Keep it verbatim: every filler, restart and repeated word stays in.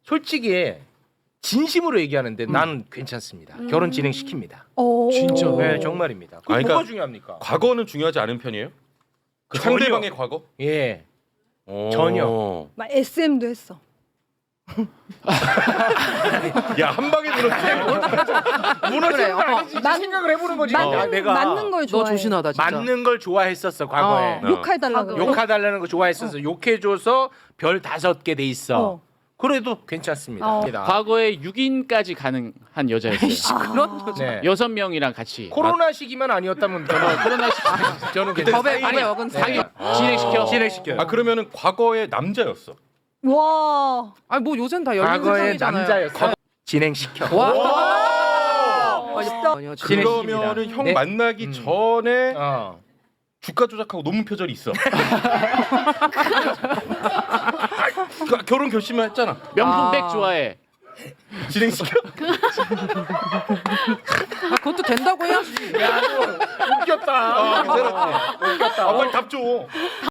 솔직히 진심으로 얘기하는데 나는 괜찮습니다. 음. 결혼 진행시킵니다. 오. 진짜로? 네, 정말입니다. 그거 아니, 뭐가 그러니까 중요합니까? 과거는 중요하지 않은 편이에요? 그 전혀. 상대방의 과거? 예. 오. 전혀. 막 에스엠도 했어. 야, 한 방에 들었지. 무너지는 거 그래, 어. 아니지. 맞- 생각을 해보는 거지. 맞는, 아, 내가 맞는 걸 너 좋아해. 조신하다 진짜. 맞는 걸 좋아했었어 과거에. 어. 욕해달라고. 과거. 그래. 욕해달라는 거 좋아했었어. 욕해줘서 별 다섯 개 돼 있어. 어. 그래도 괜찮습니다. 어. 과거에 육 인까지 가능한 여자였어요. 그런 여자. 네. 여섯 명이랑 같이 코로나 시기만 아니었다면 저는 코로나 시기 저는 법에 괜찮아요. 법에 어근 네. 사기 진행시켜. 진행시켜요. 아, 그러면은 과거의 남자였어. 와. 아니 뭐 요새는 다 열린 과거의 세상이잖아요. 남자였어. 진행시켜. 와. 멋있다. 아니야, 진짜. 진행- 그러면은 형 네. 만나기 음. 전에 어. 주가 조작하고 논문 표절이 있어. 그, 결혼 결심을 했잖아. 명품백 아. 좋아해. 진행시켜. 아, 그것도 된다고 해야지. 야, 너 웃겼다. 아, 괜찮았지. 웃겼다. 아, 빨리 답 줘.